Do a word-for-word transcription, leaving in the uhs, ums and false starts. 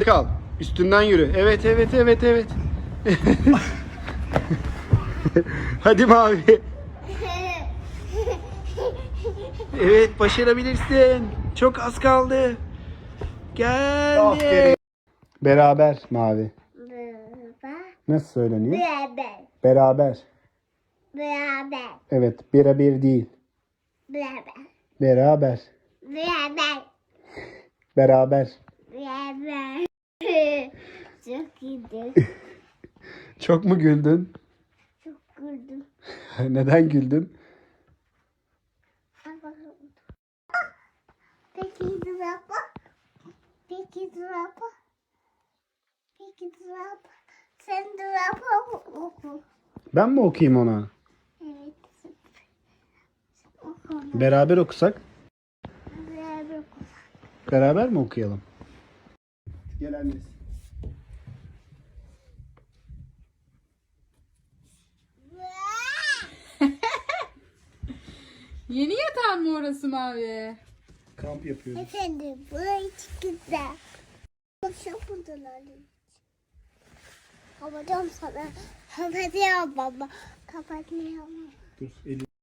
kal. Üstünden yürü. Evet evet evet evet. Hadi Mavi. Evet, başarabilirsin. Çok az kaldı. Geldi. Aferin. Beraber Mavi. Beraber. Nasıl söyleniyor? Beraber. Beraber. Beraber. Evet, birebir değil. Beraber. Beraber. Beraber. Beraber. Beraber. Çok iyiydi. Çok mu güldün? Çok güldüm. Neden güldün? Peki drapa. Peki drapa. Peki drapa. Sen drapa oku. Ben mi okuyayım ona? Evet. Oku. Beraber okusak? Beraber oku. Beraber mi okuyalım? Gel annesi. Yeni yatağın mı orası Mavi? Kamp yapıyoruz. Efendim, burayı çok güzel. Kapatamadılar. Kapatacağım sana. Kapatacağım baba. Kapatmayalım. Dur, eli.